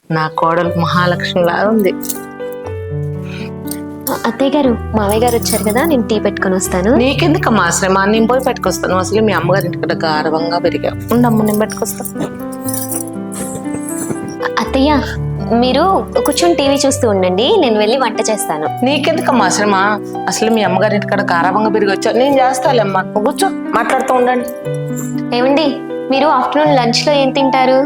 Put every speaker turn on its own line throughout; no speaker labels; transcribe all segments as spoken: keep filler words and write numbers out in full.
నా కోడలు మహాలక్ష్మిలా ఉంది.
అత్తయ్య గారు, మావయ్య గారు వచ్చారు కదా, నేను టీ పెట్టుకొని వస్తాను.
నీకెందుకమ్మా శ్రమ, నేను పోయి పెట్టుకొస్తాను. అసలు మీ అమ్మగారి ఇంటికి గారవంగా పెరిగావు. ఉండమ్మ, నేను పెట్టుకొస్తాను.
అత్తయ్య, మీరు కూర్చొని టీవీ చూస్తూ ఉండండి, నేను వెళ్ళి వంట చేస్తాను.
నీకెందుకమ్మా శ్రమ, అసలు మీ అమ్మగారి ఇంటికాడ గారవంగా పెరిగి వచ్చావు. నేను చేస్తాలేమ్మా, నువ్వు కూర్చో, మాట్లాడుతూ ఉండండి.
ఏమండి, మీరు ఆఫ్టర్నూన్ లంచ్ లో ఏం తింటారు?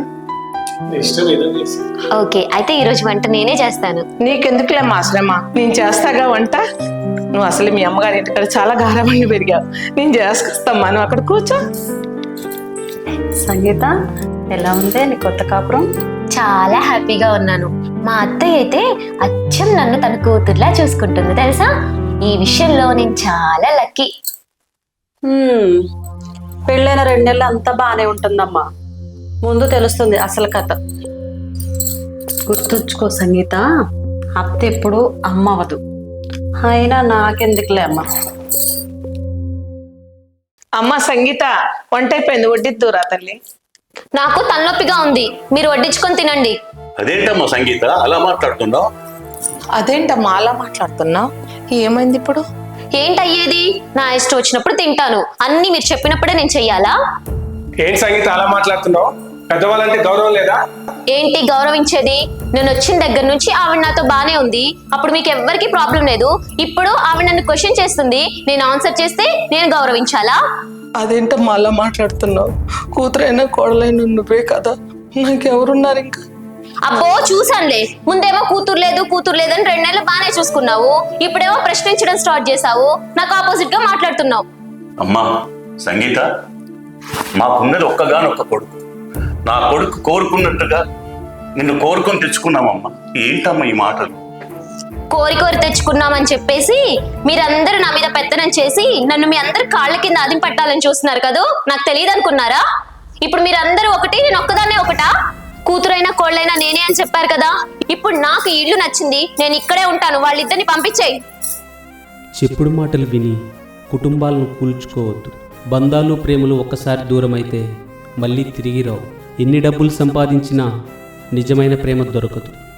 ఓకే, అయితే ఈ రోజు వంట నేనే చేస్తాను.
నీకెందుకులేమ్మా శ్రమ, నేను చేస్తాగా వంట. నువ్వు అసలు మీ అమ్మగారి ఇంటికాడ చాలా గారవంగా పెరిగావు. నేను చేసుకొస్తామ్మా, నువ్వు అక్కడ కూర్చో.
సంగీత, ఎలా ఉంది నీ కొత్త కాపురం?
చాలా హ్యాపీగా ఉన్నాను. మా అత్తయ్య అయితే అచ్చం నన్ను తన కూతుర్లా చూసుకుంటుంది తెలుసా. ఈ విషయంలో నేను చాలా లక్కీ.
పెళ్ళైన రెండు నెలలు అంతా బాగానే ఉంటుందమ్మా, ముందు తెలుస్తుంది అసలు కథ. గుర్తుంచుకో సంగీత, అత్త ఎప్పుడు అమ్మ అవదు. అయినా నాకెందుకులే అమ్మ.
అమ్మ సంగీత, వంట అయిపోయింది, వడ్డిద్దురా తల్లి.
నాకు తలనొప్పిగా ఉంది, మీరు వడ్డించుకొని తినండి.
అదేంటమ్మా సంగీత అలా మాట్లాడుతున్నావు?
అదేంటమ్మా అలా మాట్లాడుతున్నావు? ఏమైంది ఇప్పుడు?
ఏంటయ్యేది? నా ఇష్టం వచ్చినప్పుడు తింటాను, అన్ని మీరు చెప్పినప్పుడే నేను చెయ్యాలా?
ఏంటి సంగీత అలా మాట్లాడుతున్నావు? పెద్దవాళ్ళంటే గౌరవం లేదా?
ఏంటి గౌరవించేది? నేను వచ్చిన దగ్గర నుంచి ఆవిడ నాతో బానే ఉంది, అప్పుడు మీకు ఎవ్వరికి ప్రాబ్లం లేదు. ఇప్పుడు ఆవిడ నన్ను క్వశ్చన్ చేస్తుంది, నేను ఆన్సర్ చేస్తే నేను గౌరవించాలా?
అదేంటమ్మా అలా మాట్లాడుతున్నావు? కూతురైనా కోడలైనా నువ్వే కదా, నాకెవరున్నారు ఇంకా?
అబ్బో చూసానులే, ముందేమో కూతురు లేదు కూతురు లేదని రెండు నెలలు బానే చూసుకున్నావు, ఇప్పుడేమో ప్రశ్నించడం స్టార్ట్ చేసావు, నాకు ఆపోజిట్ గా మాట్లాడుతున్నావు.
అమ్మా సంగీత, మాకున్నది ఒక్కగానొక్క కొడుకు. నా కొడుకు కోరుకున్నట్టుగా నిన్ను కోరుకొని తెచ్చుకున్నామమ్మా. ఏంటమ్మా ఈ మాటలు?
కోరి కోరి తెచ్చుకున్నామని చెప్పేసి మీరందరూ నా మీద పెత్తనం చేసి నన్ను మీ అందరు కాళ్ళ కింద ఆదిం పట్టాలని చూస్తున్నారు కదా, నాకు తెలియదు అనుకున్నారా? ఇప్పుడు మీరందరూ ఒకటి, నేను ఒక్కదాన్నే ఒకటా? కూతురైనా కోళ్ళైనా నేనే అని చెప్పారు కదా, ఇప్పుడు నాకు ఈ ఇల్లు నచ్చింది, నేను ఇక్కడే ఉంటాను, వాళ్ళిద్దరిని పంపించేయి.
చెప్పుడు మాటలు విని కుటుంబాలను కూల్చుకోవద్దు. బంధాలు ప్రేమలు ఒక్కసారి దూరం అయితే మళ్ళీ తిరిగి రావు. ఎన్ని డబ్బులు సంపాదించినా నిజమైన ప్రేమ దొరకదు.